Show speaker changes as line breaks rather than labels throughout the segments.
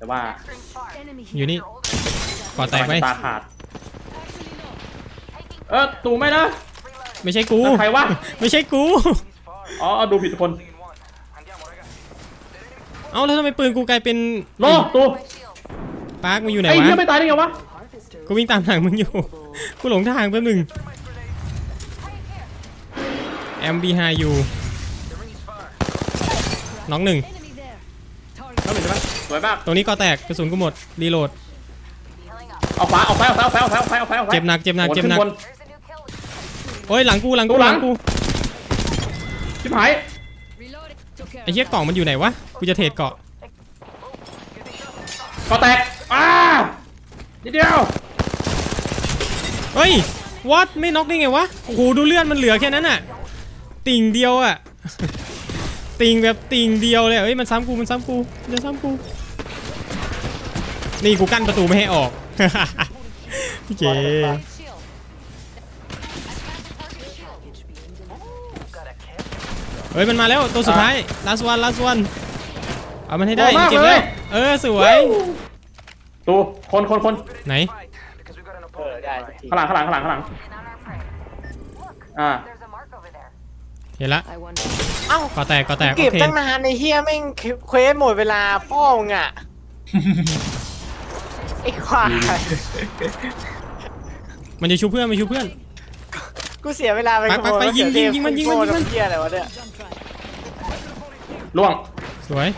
แต่ว่า
อยู่นี่ก่อแตกไป
ตาขาดตูไม่นะ
ไม่ใช่กู
ใครวะ
ไม่ใช่กู
อ๋อดูผิดคน
เอ้าแล้วทำไมปืนกูกลายเป็น
โลตู
ปาร์คมึงอยู่ไหน
ไอ้
วะ
เหี้ยไม่ตายได้ไงวะ
กูวิ่งตามหลังมึงอยู่ กูหลงทางแป๊บนึงแอมบีไฮยูน้องหนึ่ง
เข้าไปใช่ไหมสวยมาก
ตรงนี้ก็แตกกระสุนกูหมดรีโหลด
เอาขวาเอาไฟ
เจ็บหนักเจ็บหนัก
โอ้
เจ็บหนัก
ขึ้นบน
โอ้ยหลังกูหลังกู
ตู้
ห
หลั
ลั
ง
งกู
ชิบหาย
ไอ้เหี้ยกล่องมันอยู่ไหนวะกูจะเทรดเกาะ
ก็แตกนิดเดียว
เฮ้ยวัดไม่น็อกได้ไงวะโอ้โหดูเลือดมันเหลือแค่นั้นน่ะติ่งเดียวอ่ะ ติ่งแบบติ่งเดียวเลยเฮ้ยมันซ้ำกูมันซ้ำกูมันจะซ้ำกูนี่กูกั้นประตูไม่ให้ออก พี่เจเฮ้ยมันมาแล้วตัวสุดท้าย last one เอามันให้ได้เก็บเลยสวย
ตูคน
ไหน
ได้สักที
ข้างหลัง
เห็นละ
เอ้า
ก่อแตก
เก็
โอบ เค
ตั้งนานในเฮียแม่งเควสหมดเวลาพ่อมึงอ่ะ ไอ้ควาย
มันจะชูเพื่อนมันชูเพื่อน
กูเสียเวลาไป
ไปยิงมัน
เฮียอะไรวะเนี่ย
ล่วง
สวย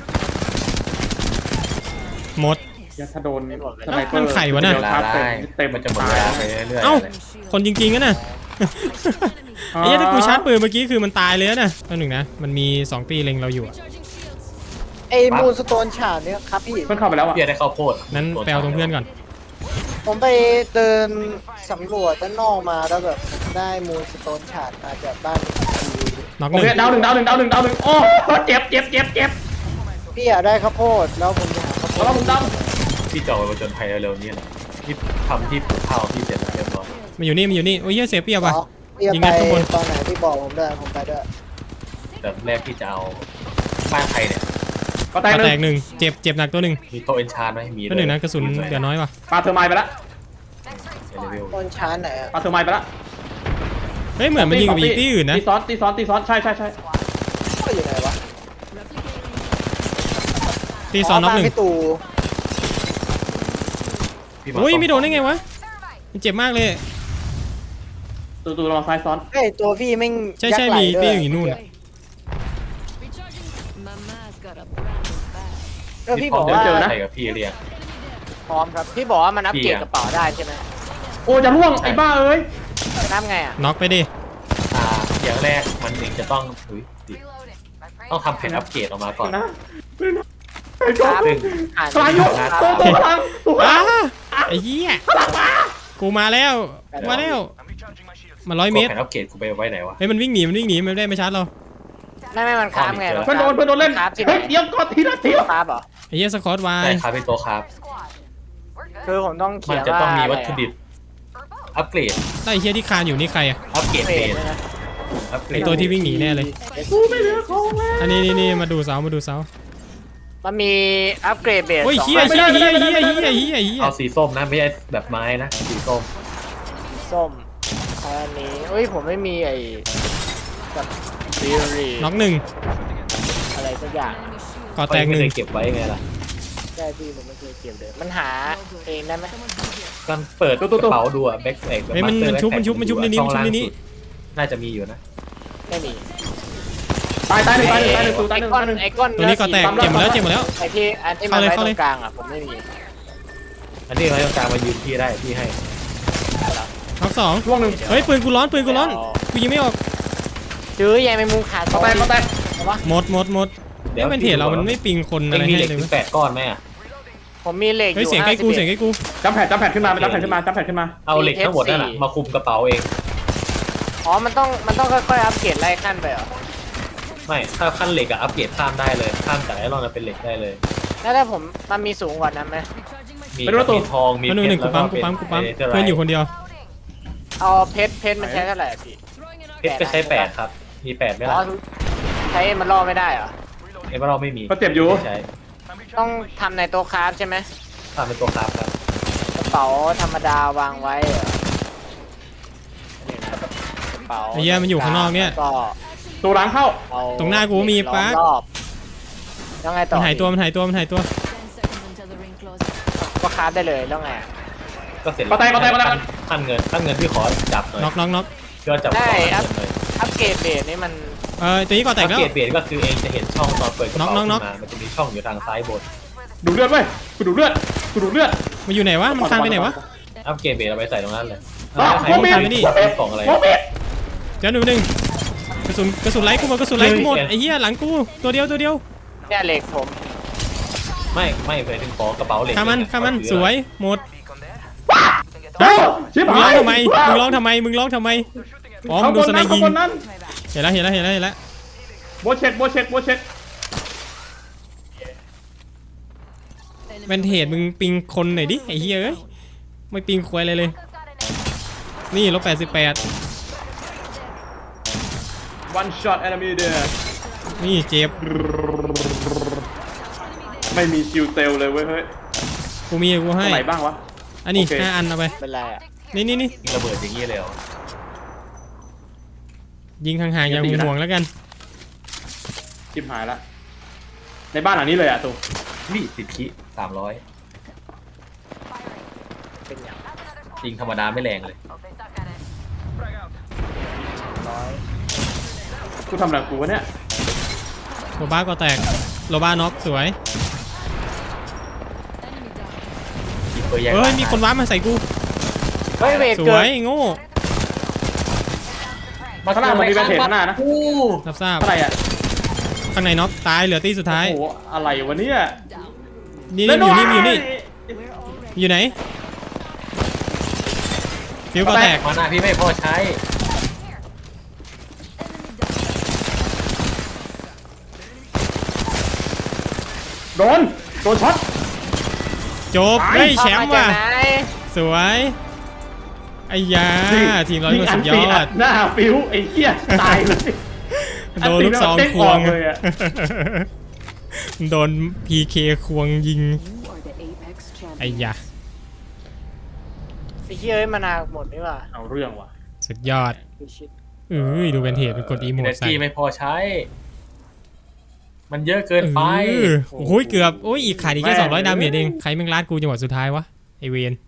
หมด
ถ้าโดน
มันไข่วะน่ะ
เต็ม
มันจะหมดเวลาไปเรื่อยๆ
เอ้า
เลย
คนจริงๆนะน่ะ ไอ้เหี้ยถ้ากูชาร์จปืนเมื่อกี้คือมันตายเลยนะตัวหนึ่งนะมันมี2ตีเล็งเราอยู่อะ
ไอ้มูนสโตนฉาดเนี่ยครับพี่
เพิ่งเข้าไปแล้วอ่ะ
เพียได้ข้าวโพด
นั้นแปลตรงเพื่อนก่อน
ผมไปเดินสำรวจด้านนอกมาแล้วแบบได้มูนสโตนฉาดมาจากบ้าน
น็อกห
โอ
นึ่ง
เคดาวหนึ่งโอ้เจ็บ
พี่อยากได้ข้าวโพดแล้วผมจะหาข้าวโพ
แล้ว
ด
มึงด
พี่จะออกไปผจญภัยเร็วๆนี้แหละที่ทำที่ปลูกข้าวพี่เสร็จแล้วเรียบร้อย
มันอยู่นี่โอ้ยเหี้ยเสียเปรียบว่ะ
พี่จะ
ยิง
ไป
กันข้างบน
ตอนไหนพี่บอกผมได้ผมไปด้วย
แต่แรกพี่จะเอาบ้านใครเนี่ย
ก็แต
ก็
ก
แต
ห
ก
นึ่ง
1เจ็บหนักตัวหนึ่ง
มีโต๊ะเอนชานไหมมี
ตัวหนึ่งนะกระสุนเหลือน้อยว่ะ
ปาเธอร์ไมล์ไปละ
เร็ว
ต้นชานไหนอะ
ปาเธอร์ไมล์ไปละ
เฮ้ยเหมือนมันยิงกับอีกที่อื่นนะ
ตีซ้อนใช่
ก็อยู่ไหนวะ
ตีซ้อนน็อกหนึ่ง
พี่ตู่
ๆพี่า
อุ้ยไม่โดนได้ไงวะมันเจ็บมากเลย
ตูระวังซ้ายซ้อน
เฮ้ยตัวพี่แม่ง
ใช่
ยักษ์ไหล
มี
ด้
ตี
วย
อยู่นู่นอะ
ก็พี่
พ
บ
ร้อ
อ
ม
กว่า
เจอใครกับพี่เรียก
พร้อมครับพี่บอกว่ามันอัปเกรดกระเป๋าได้ใช่ไหม
โอ้จะล่วงไอ้บ้าเอ้ย
นับไงอ่ะ
น็อกไปดิ
อย่างแรกมันเองจะต้องต้องทำแผนอัปเกรดออกมาก่อน
นะไอ้โจ๊
ครับ
ซึ่ง
อ่าน
พลังยุตัวพลัง
อ้าไอ้เหี้ยกูมาแล้วมา100 เมตร
แผนอัปเกรดกูไปไว้ไหนวะ
เฮ้ยมันวิ่งหนีมันได้ไม่ชาร์จเรา
ไม่มันค้ามไง
เพื่อนโดนเล่น
ครับที่ไหน
เฮ้ยเดี๋ยวก่อนทีละที
ครับเหรอ
ไอ้เหี้ยสกอตไว
ใช่ครับเป็นตัวครับ
คือผมต้อง
มั
เขี
น
ยน
จะ
ว่า
ต้องมีวัตถุดิบอัปเกรด
ได้ไอ้เหี้ยที่คานอยู่นี่ใครอะ
อัปเกรด
เฟ
เบ
ส
ส
นะ
อัปเกร
ไอ
ด
ตัวที่วิ่งหนีแน่เลย
กูไม่เหลือของแล้ว
อันนี้มาดูเสา
มันมีอัปเกรดเบส
โอ้ย
สอง
เหี้ย
แบบ
เอาสีส้มนะไม่ใช่แบบไม้นะสีส้ม
ส้มอันนี้เฮ้ยผมไม่มีไอ้แบบซีรีส์
น็อกหนึ่ง
อะไรสักอย่าง
ก่อแตกห
ไม่
นึ่
เค
ง
ยเก็บไว้ไงล่ะ
ได้พี่ผมไม่เคยเก็บเลยมันหาเองได้ไหม
การเปิดกระเป๋าดูอะแบ็คแพ็ค
เฮ้ยมันชุบในนี้
น่าจะมีอยู่นะ
ไม่มี
ตายหนึ่งตูตายหนึ่ง
ไอ้ก้อน
ตัวนี้ก่อแตกเจ็บหมดแล้ว
ไอ้ที่อันที่มันไว้ตรงกลางอ่ะผมไม่มี
อันนี้เราต้องการมายืนพี่ได้พี่ให้
น็อกสอง
ล่วงหนึ่ง
เฮ้ยปืนกูร้อนกูยิงไม่ออก
ซื้อยายแมงมุมขาด
ก็แตก
หมดเดี๋ยวเป็นเพจเรามันไม่ปิงคนอะไร
มี
ให้
เหล็ก
เลย
ถึง8 ก้อนไหมอะ
ผมมีเหล็กอ
เฮ้ย
ยู่
เสียงใกล้กู
จับแผ่นขึ้นมา
เอาเหล็กทั้งหมดนั่นแหละมาคุมกระเป๋าเอง
อ๋อมันต้องค่อยๆอัปเกรดไล่ขั้นไปเหรอ
ไม่ถ้าขั้นเหล็กอะอัปเกรดข้ามได้เลยข้ามจากไอรอนมาเป็นเหล็กได้เลย
แล้วถ้าผมมันมีสูงกว่านั้นไหม
มีทองมี
มันหนึ่งกูปั๊มเพื่อนอยู่คนเดียว
เอาเพชรมันใช้เท่าไหร่พี่
เพชรก็ใช้8ครับมี8ไหม
อ๋อ
ล่ะ
ใช้มันล่อไม่ได้เหรอ
เอเมอรัลไม่มี
ก็เจ็บอยู่
ใช้
ต้องทำในโต๊ะคราฟใช่ไหม
ทำเป็นตัวครับครับ
กระเป๋าธรรมดาวางไว้เหรอนี่นะกระเป๋า
ไอ้เหี้ยมันอยู่ข้างนอกเนี่ย
แล้วก็
ตัวหลังเข้า
เอา
ตรงหน้ากูมี
ล้อ
ปั๊ก
รอบแล้วไงต่อ
มันหายตัวมันหายตัวมันหายตัว
10 seconds until the ring closes.
ก็คราฟได้เลยแล้วไงอะ
ก็เสร็จ
ปะไตปะไตปะไต
ขั้นเงินพี่ขอจับหน่อย
น็อกน็อกน็อก
พี่ก็จับขอ
ได้
เงิน
ครับ
เลย
อัปเกรดเบสนี่มัน
ตัวนี้ก่อแต
อั
ก
ป
แล้ว
เกรดเบสก็คือเองจะเห็นช่องตอนเปิดกระเป๋า
น็
ขึ้
อก
น
น็อก
มามันจะมีช่องอยู่ทางซ้ายบน
ดูดเลือดเว้ยกูดูดเลือดกูดูดเลือด
มันอยู่ไหนวะมันคานไปไหนวะ
อัปเกรดเบสเอาไปใส่ตรงนั้นเลย
อ้าว
ใคร
โมเมน
ใคร
ต์
ไม่ดี
ของอะไร
โมเมนต์
เดี๋ยวหนึ่งกระสุนไล่กูหมดกระสุนไล่กูหมดไอ้เหี้ยหลังกูตัวเดียว
เนี่ยเหล็กผม
ไม่ไปถึงของกระเป๋าเหล็ก
ข้ามันสวยหมด
เฮ้ยชิบ
มึง
หา
ร้อย งทำไมมึงร้องทำไมอ๋อมึ
ข้าง
ง
บ
โดน
น
สไน
นั้น
ยิ
ข้าง งบนนั้น
เห็นแล้ว
โบเช็ดโบเช็ดโบเช็ด
แวนเทจมึงปิงคนหน่อยดิไอ้เหี้ยเอ้ยไม่ปิงควยเลยนี่ลบ88
one shot enemy there
นี่เจ็บ
ไม่มีคิวเซลเลยเว้ยเฮ้ย
กูมีกู
ตร
ให้
งไหนบ้างวะ
อันนี้
โอเค
5 อันเอาไป
เป็นไรอ่ะ
นี่
ยิงระเบิดอย่างนี้เลยเหรอ
ยิงห่างๆอย่างห่วงๆแล้วกัน
ชิบหายละในบ้านหลังนี้เลยอ่ะตู
นี่10 คิ300
เป็นอย่าง
ยิงธรรมดาไม่แรงเลย
ร้อย
กูทำอะไรกูวะเนี่ย
โลบ้าก็แตกโลบ้าน็อกสวย
ยิงเบอร์แยก
เฮ้ยมีคนว้าร์ปมาใส่กู
เฮ้ยเวท
ส
เกิ
ว
ด
ยโง่
ข้างหน้ามันมีแบนเทจข้างหน้านะ
อู้
ทราบ
อะไรอ่ะ
ข้างในน็อกตายเหลือตีสุดท้าย
โอ้โหอะไรวะเนี่ย
นี่มันอยู่นี่อยู่ไหนฟิวก็แตก
มาหน้าพี่ไม่พอใช้
โดนช็อต
จบเฮ้ยแชมป์ว่ะ
เอาาจากไหน
สวยไอ้ยาทีมเรา
ยิ
ก็
งอั
สุ
น
ดย
ตี
อ
อั
ด
ดหน้าฟิวไอ้เหี้ยตายเลย
โดนลูกซองควง
อันตีแล้วเด้งออกเลยอะ
โดน PK ควงยิง
You are the Apex
ไอ้
champion.
ยา
ไอ้เหี้ยเอ้ยมานาวหมดนี่ว่ะ
เอาเรื่องว่ะ
สุดยอด
ดูชิด
ดูเป็นเหตุเป็นกดอีโม
เอ
ด
เน
ใส่
จีไม่พอใช้ มันเยอะเกินไป
โอ้ยเกือบโอ้ยอีกขาดอีกแค่200 ดาเมจเองใครแม่งลาดกูจังหวะสุดท้ายวะไอเวน